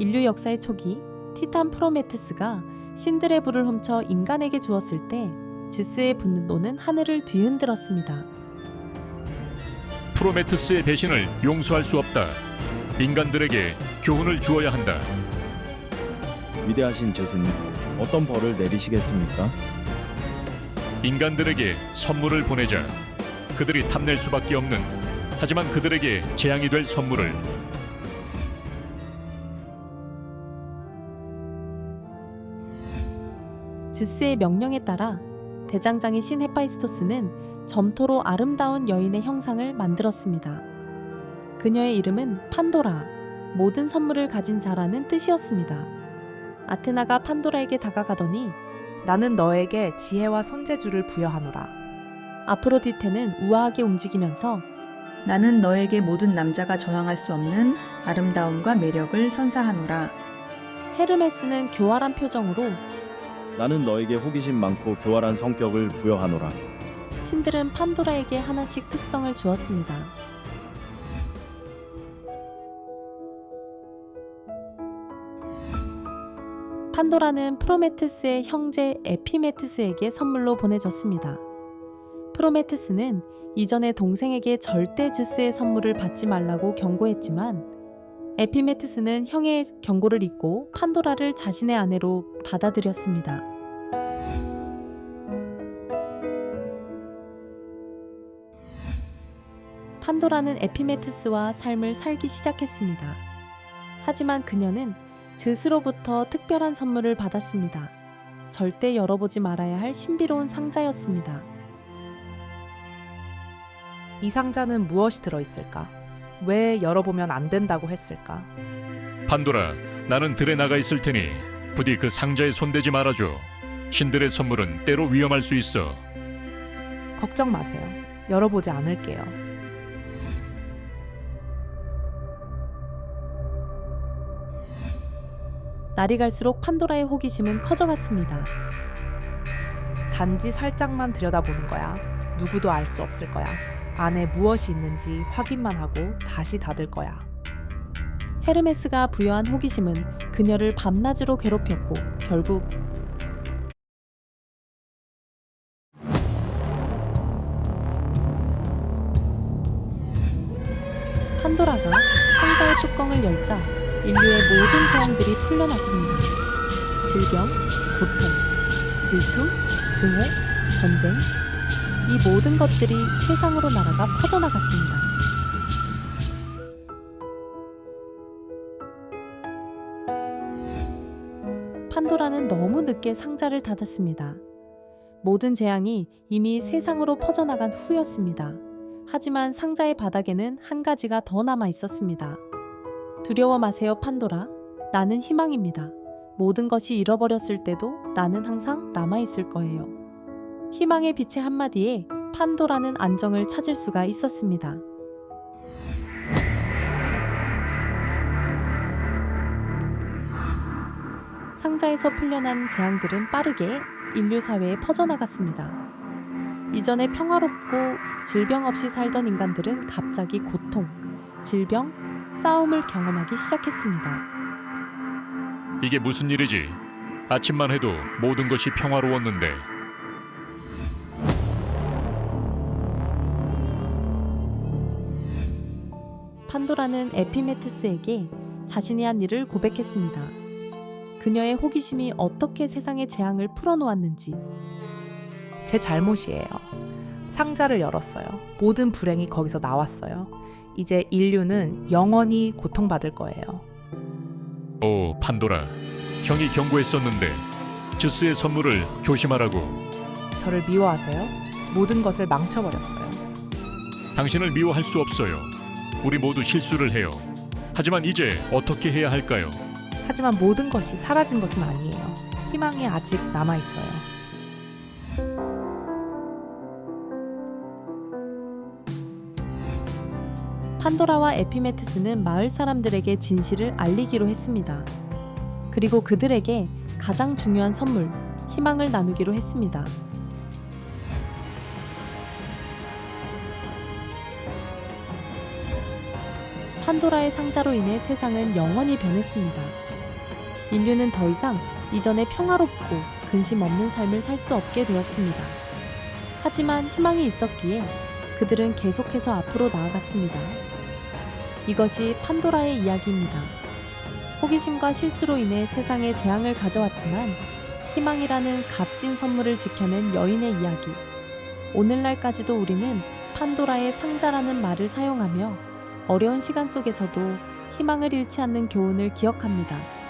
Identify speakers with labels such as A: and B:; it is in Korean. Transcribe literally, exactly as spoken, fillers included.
A: 인류 역사의 초기 티탄 프로메테스가 신들의 불을 훔쳐 인간에게 주었을 때 즈스의 분노는 하늘을 뒤흔들었습니다.
B: 프로메테스의 배신을 용서할 수 없다. 인간들에게 교훈을 주어야 한다.
C: 위대하신 제스님, 어떤 벌을 내리시겠습니까?
B: 인간들에게 선물을 보내자. 그들이 탐낼 수밖에 없는, 하지만 그들에게 재앙이 될 선물을.
A: 즈스의 명령에 따라 대장장이 신 헤파이스토스는 점토로 아름다운 여인의 형상을 만들었습니다. 그녀의 이름은 판도라, 모든 선물을 가진 자라는 뜻이었습니다. 아테나가 판도라에게 다가가더니
D: 나는 너에게 지혜와 손재주를 부여하노라.
A: 아프로디테는 우아하게 움직이면서
E: 나는 너에게 모든 남자가 저항할 수 없는 아름다움과 매력을 선사하노라.
A: 헤르메스는 교활한 표정으로
C: 나는 너에게 호기심 많고 교활한 성격을 부여하노라.
A: 신들은 판도라에게 하나씩 특성을 주었습니다. 판도라는 프로메테스의 형제 에피메테스에게 선물로 보내졌습니다. 프로메테스는 이전에 동생에게 절대 즈스의 선물을 받지 말라고 경고했지만 에피메테스는 형의 경고를 잊고 판도라를 자신의 아내로 받아들였습니다. 판도라는 에피메테스와 삶을 살기 시작했습니다. 하지만 그녀는 즈스로부터 특별한 선물을 받았습니다. 절대 열어보지 말아야 할 신비로운 상자였습니다.
D: 이 상자는 무엇이 들어있을까? 왜 열어보면 안 된다고 했을까?
B: 판도라, 나는 들에 나가 있을 테니 부디 그 상자에 손대지 말아줘. 신들의 선물은 때로 위험할 수 있어.
D: 걱정 마세요. 열어보지 않을게요.
A: 날이 갈수록 판도라의 호기심은 커져갔습니다.
D: 단지 살짝만 들여다보는 거야. 누구도 알 수 없을 거야. 안에 무엇이 있는지 확인만 하고 다시 닫을 거야.
A: 헤르메스가 부여한 호기심은 그녀를 밤낮으로 괴롭혔고 결국 판도라가 상자의 뚜껑을 열자 인류의 모든 재앙들이 풀려났습니다. 질병, 고통, 질투, 증오, 전쟁, 이 모든 것들이 세상으로 날아가 퍼져나갔습니다. 판도라는 너무 늦게 상자를 닫았습니다. 모든 재앙이 이미 세상으로 퍼져나간 후였습니다. 하지만 상자의 바닥에는 한 가지가 더 남아 있었습니다. 두려워 마세요, 판도라. 나는 희망입니다. 모든 것이 잃어버렸을 때도 나는 항상 남아있을 거예요. 희망의 빛의 한마디에 판도라는 안정을 찾을 수가 있었습니다. 상자에서 풀려난 재앙들은 빠르게 인류 사회에 퍼져나갔습니다. 이전에 평화롭고 질병 없이 살던 인간들은 갑자기 고통, 질병, 싸움을 경험하기 시작했습니다.
B: 이게 무슨 일이지? 아침만 해도 모든 것이 평화로웠는데.
A: 판도라는 에피메테스에게 자신이 한 일을 고백했습니다. 그녀의 호기심이 어떻게 세상의 재앙을 풀어놓았는지.
D: 제 잘못이에요. 상자를 열었어요. 모든 불행이 거기서 나왔어요. 이제 인류는 영원히 고통받을 거예요.
B: 오, 판도라. 형이 경고했었는데 즈스의 선물을 조심하라고.
D: 저를 미워하세요? 모든 것을 망쳐버렸어요.
B: 당신을 미워할 수 없어요. 우리 모두 실수를 해요. 하지만 이제 어떻게 해야 할까요?
D: 하지만 모든 것이 사라진 것은 아니에요. 희망이 아직 남아있어요.
A: 판도라와 에피메테스는 마을 사람들에게 진실을 알리기로 했습니다. 그리고 그들에게 가장 중요한 선물, 희망을 나누기로 했습니다. 판도라의 상자로 인해 세상은 영원히 변했습니다. 인류는 더 이상 이전의 평화롭고 근심 없는 삶을 살 수 없게 되었습니다. 하지만 희망이 있었기에 그들은 계속해서 앞으로 나아갔습니다. 이것이 판도라의 이야기입니다. 호기심과 실수로 인해 세상에 재앙을 가져왔지만 희망이라는 값진 선물을 지켜낸 여인의 이야기. 오늘날까지도 우리는 판도라의 상자라는 말을 사용하며 어려운 시간 속에서도 희망을 잃지 않는 교훈을 기억합니다.